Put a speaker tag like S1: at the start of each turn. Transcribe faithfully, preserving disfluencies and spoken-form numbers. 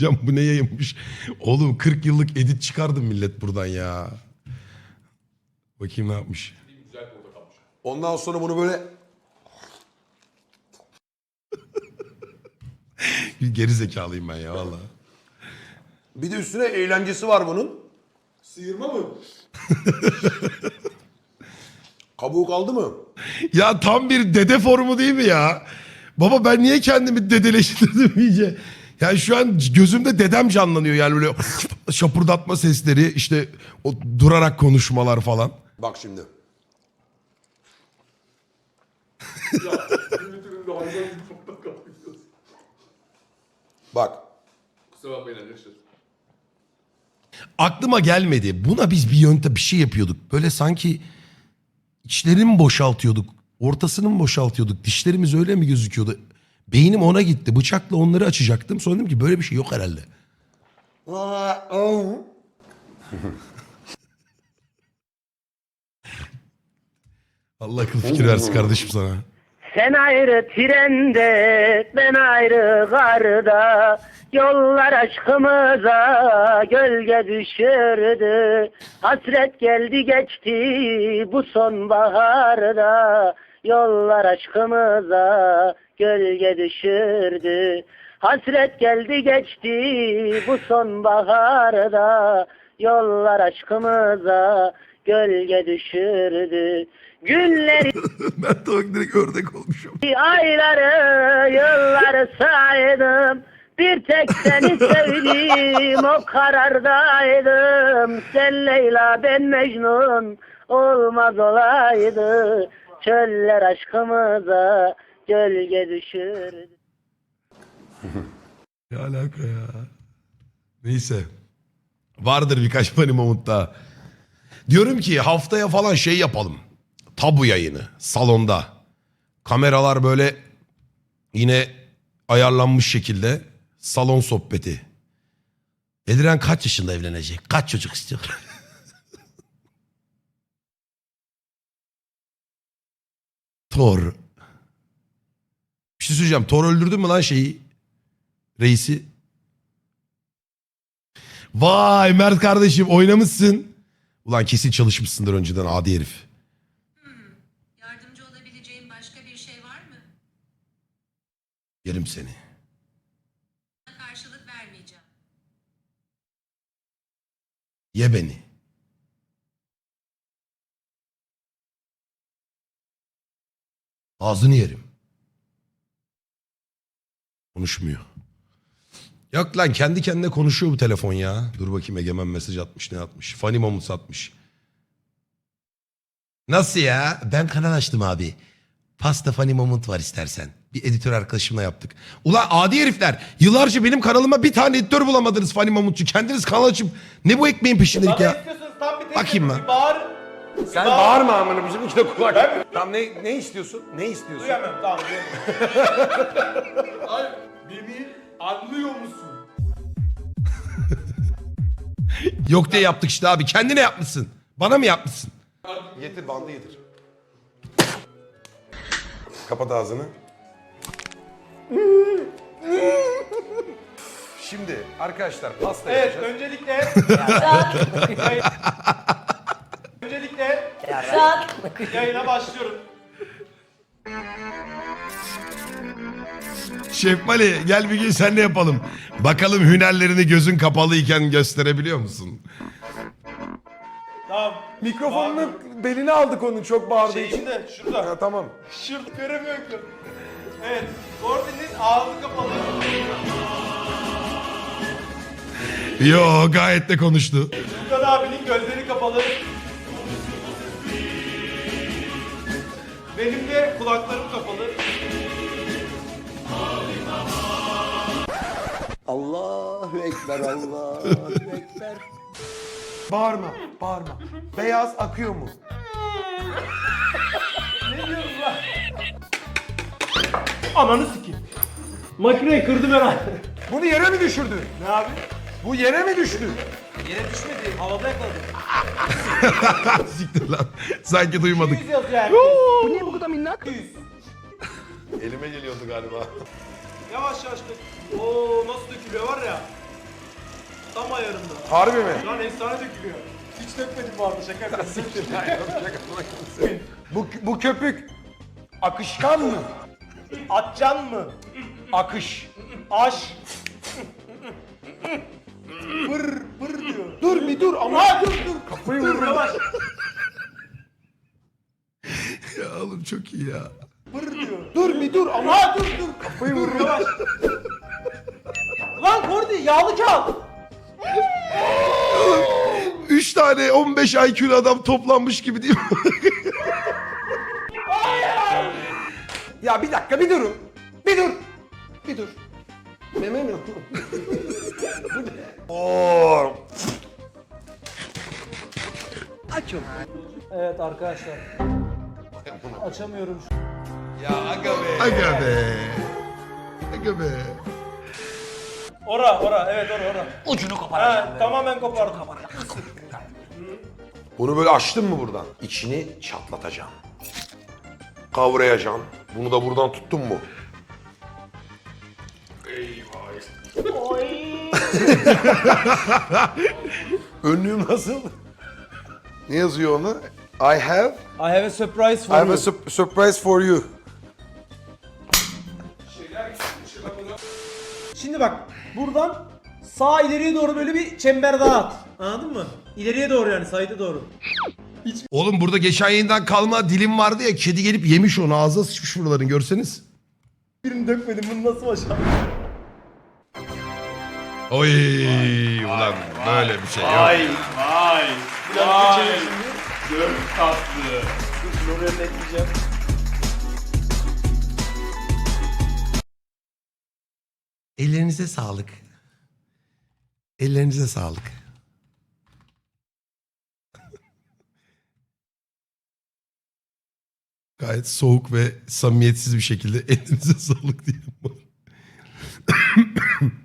S1: Can bu ne yayınmış? Oğlum kırk yıllık edit çıkardı millet buradan ya. Bakayım ne yapmış.
S2: Ondan sonra bunu böyle
S1: Geri zekalıyım ben ya valla.
S2: bir de üstüne eğlencesi var bunun.
S3: Sıyırma mı?
S2: Kabuğu kaldı mı?
S1: Ya tam bir dede formu değil mi ya? Baba ben niye kendimi dedeleştirdim iyice? Yani şu an gözümde dedem canlanıyor yani böyle şapurdatma sesleri işte o durarak konuşmalar falan.
S2: Bak şimdi.
S3: Ya Twitter'ında hayvan gibi toprak kapıyorsun.
S2: Bak.
S3: Kusura bakmayın arkadaşlar.
S1: Aklıma gelmedi. Buna biz bir yöntem bir şey yapıyorduk. Böyle sanki içlerini mi boşaltıyorduk? Ortasını mı boşaltıyorduk? Dişlerimiz öyle mi gözüküyordu? Beynim ona gitti. Bıçakla onları açacaktım. Sonra dedim ki böyle bir şey yok herhalde. Allah akıl fikir versin kardeşim sana.
S4: Sen ayrı trende, ben ayrı garda, yollar aşkımıza gölge düşürdü. Hasret geldi geçti bu sonbaharda, yollar aşkımıza gölge düşürdü. Hasret geldi geçti bu sonbaharda, yollar aşkımıza gölge düşürdü. Günleri
S1: Ben de bak direkt ördek olmuşum.
S4: ayları, yılları saydım. Bir tek seni sevdim, o karardaydım. Sen Leyla, ben Mecnun, olmaz olaydı. Çöller aşkımıza gölge düşürdü.
S1: Ne alaka ya? Neyse. Vardır birkaç funny moment daha. Diyorum ki haftaya falan şey yapalım. Tabu yayını salonda. Kameralar böyle yine ayarlanmış şekilde salon sohbeti. Eliren kaç yaşında evlenecek? Kaç çocuk istiyor? Thor. Bir şey söyleyeceğim. Thor öldürdü mü lan şeyi? Reisi. Vay Mert kardeşim oynamışsın. Ulan kesin çalışmışsındır önceden adi herif.
S5: Yardımcı olabileceğim başka bir şey var mı?
S1: Yerim seni.
S5: Karşılık vermeyeceğim.
S1: Ye beni. Ağzını yerim. Konuşmuyor. Yok lan kendi kendine konuşuyor bu telefon ya. Dur bakayım Egemen mesaj atmış ne atmış. Funny moments atmış. Nasıl ya? Ben kanal açtım abi. Pasta funny moment var istersen. Bir editör arkadaşımla yaptık. Ulan adi herifler. Yıllarca benim kanalıma bir tane editör bulamadınız funny momentçu. Kendiniz kanal açıp ne bu ekmeğin peşindelik
S6: Bana
S1: ya?
S6: istiyorsanız tam bir tek
S1: Bakayım
S6: bir
S1: ben.
S6: bağır.
S2: Sen bağırma amına bizim iki de kulak. Tamam ne ne istiyorsun? Ne istiyorsun?
S6: Duyamam tamam duyamam.
S3: Ay beni anlıyor musun?
S1: Yok diye yaptık işte abi. Kendine yapmışsın. Bana mı yapmışsın?
S2: Getir bandı getir. Kapat ağzını. Şimdi arkadaşlar pasta
S6: Evet
S2: yapacağız.
S6: öncelikle Yayın- öncelikle yayına başlıyorum.
S1: Şef Mali gel bir gün senle yapalım. Bakalım hünerlerini gözün kapalıyken gösterebiliyor musun?
S6: Tamam.
S2: Mikrofonunu beline aldık onun çok bağırdığı
S6: Şey
S2: için.
S6: içinde şurada.
S2: Ha, tamam.
S6: Şurada göremiyorum ki. Evet. Gordon'in ağzı kapalı.
S1: Yo gayet de konuştu.
S6: Furkan abinin gözleri kapalı. Benim de kulaklarım kapalı.
S2: Allahu Ekber, Allahu Ekber. Bağırma, bağırma. Beyaz akıyor mu?
S6: Ne diyorsun lan? Ananı sikeyim. Makineyi kırdım herhalde.
S2: Bunu yere mi düşürdün?
S6: Ne abi?
S2: Bu yere mi düştü?
S6: Yere düşmedi. Havada yakaladım.
S1: Siktir lan. Sanki duymadık.
S6: yüz yazıyor yani.
S4: Bu niye bu kadar minnak?
S6: yüz.
S2: Elime geliyordu galiba.
S6: Yavaş yavaş dök. Oo nasıl dökülüyor var ya.
S2: Harbi mi?
S6: Şu an efsane dökülüyor. Hiç dökmedim bu arada şaka yapıyorsun.
S2: Bu, bu köpük akışkan mı?
S6: Atcan mı?
S2: Akış.
S6: Aş. Pır pır diyor.
S2: Dur bir dur ama.
S6: Ha dur dur. Kafayı
S2: vururum.
S6: Yavaş.
S1: Ya oğlum çok iyi ya.
S6: Pır diyor.
S2: Dur bir dur ama.
S6: Ha dur dur.
S2: Kafayı vururum.
S6: Yavaş. Lan Kordi yağlı kağıt.
S1: Üç tane on beş I Q'lu adam toplanmış gibi değil mi?
S2: Ya bir dakika bir durun. Bir dur. Bir dur. Meme mi? Oo.
S6: Evet arkadaşlar. Açamıyorum şu.
S2: Ya aga be.
S1: Aga be. Aga be.
S6: Ora ora evet ora ora.
S2: Ucunu koparacağım.
S6: Ha, tamamen kopardım.
S2: Bunu böyle açtın mı buradan? İçini çatlatacağım. Kavrayacağım. Bunu da buradan tuttun mu? Önlüğüm nasıl? Ne yazıyor onu? I have,
S6: I have a surprise
S2: I
S6: for
S2: have
S6: you.
S2: a sup- surprise for you.
S6: Şimdi bak buradan sağ ileriye doğru böyle bir çember daha at. Anladın mı? İleriye doğru yani sayıda doğru.
S1: Oğlum burada geçen yayından kalma dilim vardı ya. Kedi gelip yemiş onu. Ağzına sıçmış buraların görseniz.
S6: Birini dökmedim bunu nasıl başardın?
S1: Oy ulan böyle bir şey yok.
S3: Vay vay.
S6: Biraz
S3: Vay.
S6: geçelim şimdi.
S3: Çok tatlı.
S6: Dur şunu oraya da ekleyeceğim.
S1: Ellerinize sağlık. Ellerinize sağlık. Gayet soğuk ve samimiyetsiz bir şekilde elinize sağlık diyelim.